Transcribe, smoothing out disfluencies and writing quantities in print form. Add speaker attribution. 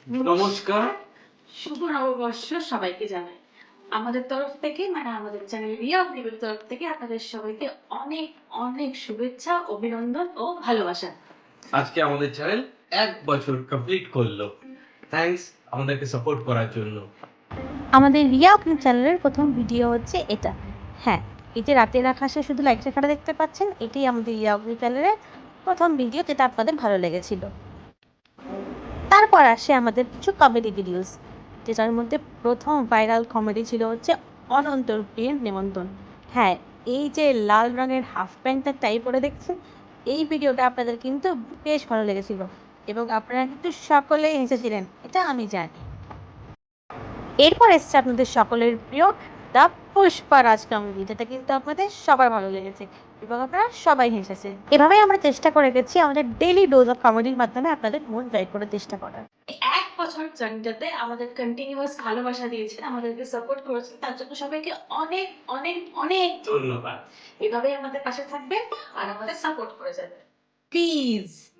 Speaker 1: নমস্কার।
Speaker 2: শুভ নববর্ষ সবাইকে জানাই আমাদের তরফ থেকে, মানে আমাদের চ্যানেল রিয়া টিভির তরফ থেকে আপনাদের সবাইকে অনেক অনেক শুভেচ্ছা, অভিনন্দন ও ভালোবাসা।
Speaker 1: আজকে আমাদের চ্যানেল 1 বছর কমপ্লিট করলো। থ্যাঙ্কস আমাদেরকে সাপোর্ট করার জন্য।
Speaker 3: আমাদের রিয়া অগ্নি চ্যানেলের প্রথম ভিডিও হচ্ছে এটা। হ্যাঁ, এই যে রাতের আকাশে শুধু লাইট রেখাটা দেখতে পাচ্ছেন, এটাই আমাদের রিয়া অগ্নি চ্যানেলের প্রথম ভিডিও, যেটা আপনাদের ভালো লেগেছিল। তারপর আসে আমাদের কিছু কমেডি ভিডিওস, যেটার মধ্যে প্রথম ভাইরাল কমেডি ছিল হচ্ছে অনন্তর প্রিয়ের নেমন্তন্ন। হ্যাঁ, এই যে লাল রঙের হাফ প্যান্টটা টাই পরে দেখছেন, এই ভিডিওটা আপনাদের কিন্তু বেশ ভালো লেগেছিল এবং আপনারা কিন্তু সকলেই হেসেছিলেন, এটা আমি জানি। এরপর এসছে আপনাদের সকলের প্রিয় দ্য পুষ্পারাজ কমেডি, যেটা কিন্তু আপনাদের সবার ভালো লেগেছে এবং আপনারা সবাই হেসেছে। এভাবেই আমরা চেষ্টা করে গেছি আমাদের ডেইলি ডোজ অফ কমেডির মাধ্যমে আপনাদের মন জয় করার চেষ্টা করার।
Speaker 2: এক বছর জার্নিটাতে আমাদের কন্টিনিউয়াস ভালোবাসা দিয়েছেন, আমাদেরকে সাপোর্ট করেছেন, তার জন্য সবাইকে অনেক অনেক অনেক
Speaker 1: ধন্যবাদ।
Speaker 2: এভাবেই আমাদের পাশে থাকবেন আর আমাদের সাপোর্ট করে যাবেন প্লিজ।